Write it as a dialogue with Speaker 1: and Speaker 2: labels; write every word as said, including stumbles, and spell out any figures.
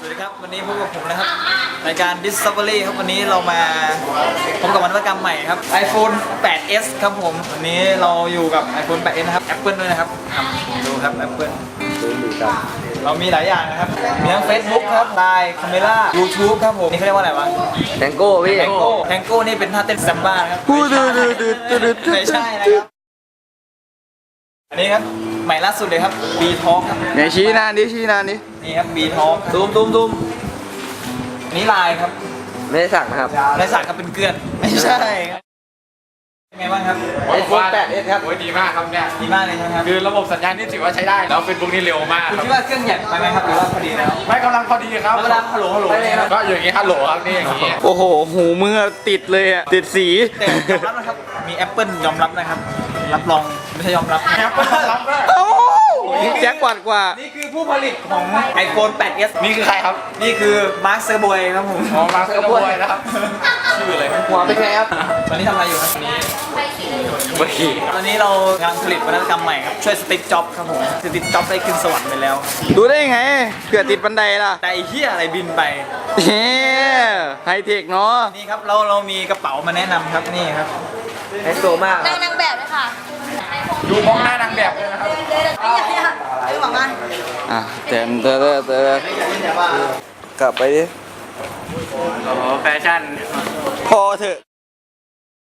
Speaker 1: วัสดีครับวันนี้พบกับผมนะครับรายการ Discovery ครับวันนี้เรามาพบกับนวัตกรรมใหม่ครับ iPhone แปดเอส ครับผมวันนี้เราอยู่กับ iPhone แปดเอส นะครับ Apple ด้วยนะครับดูครับ Apple เรามีหลายอย่างนะครับมีทั้ง Facebook ครับ Line Camera YouTube ครับผมนี่เขาเรียกว่าอะไรวะ
Speaker 2: แทงโก้พี่
Speaker 1: แทงโก้แทงโก้นี่เป็นท่าเต้นซัมบ้านะครับ
Speaker 2: พูดดูดูดูดูดู
Speaker 1: ไม่ใช่นะครับอันนี้ครับใหม่ล่าสุดเลยครับ B Talk ครับ
Speaker 2: ไหนชี้หน้าดิชี้หน้าดิ
Speaker 1: นี่ครับ B Talk ตูมตูมตูมอันนี้ไลน์ครับ
Speaker 2: ไม่ได้สั่งนะครับ
Speaker 1: ในสารครับเป็นเกลือนไม่ใช่ครับเป็นไงบ้างครับ
Speaker 2: iPhone แปดเอส ครับ
Speaker 3: โอ้ยดีมากครับเนี่ย
Speaker 1: ดีมากเลยใช่ไหมครับ
Speaker 3: คือระบบสัญญาณนี่ถือว่าใช้ได้แล้วเฟซบุ๊กนี่เร็วมาก
Speaker 1: คุณ
Speaker 3: ครับ
Speaker 1: คิดว่าเครื่องใหญ่ไปไหมครับหรือว่าพอดีแล้ว
Speaker 3: ไม่กำลังพอดีครับ
Speaker 1: แล้วเวลาฮัลโหลฮัลโหลเนี่ยครับ
Speaker 3: ก็อย่างงี้ฮัลโหลครับนี่อย่างงี้
Speaker 2: โอ้โหหูมือติดเลยอ่ะติดสี
Speaker 1: แต่ยอมรับนะครับมี Apple ยอมรับนะครับรับรองไม่ใช่ยอมรับ
Speaker 3: แอปเปิลรับด้วย
Speaker 2: โอ้นี่แจ็คกว่ากว่า
Speaker 1: นี่คือผู้ผลิตของ iPhone แปดเอส
Speaker 3: นี่คือใครครับ
Speaker 1: นี่คือมาร์คเซอร์บอยครับผม
Speaker 3: อ๋อมาร์คเกอร์บอยนะครับ
Speaker 1: ชื่ออะไร
Speaker 2: หัวเป็นไงครับ
Speaker 1: ตอนนี้ทำอะไรอยู่ครับ
Speaker 3: เมื่อกี้
Speaker 1: ตอนนี้เรากำลังผลิตนวัตกรรมใหม่ครับช่วยสติ๊กจ็อบครับผมสติ๊กจ็อบได้ขึ้นสวรรค์ไปแล้ว
Speaker 2: ดูได้ยังไงเผื่อติดบันไดล่ะ
Speaker 1: แต่ไอ้เหี้ยอะไรบินไป
Speaker 2: เฮ้ไฮเทคเนาะ
Speaker 1: นี่ครับเราเรามีกระเป๋ามาแนะนำครับนี่ครับ
Speaker 2: ไฮโซมาก
Speaker 4: นางนางแบบเลยค่ะ
Speaker 3: ดูมองหน้านางแบบเลยนะครับ
Speaker 4: ไม่อยากให้ไม่หวังว่า
Speaker 2: อ่ะเต็มเตอเตอเตอกลับไปดิ
Speaker 3: โอ้แฟชั่น
Speaker 2: พอเถอะ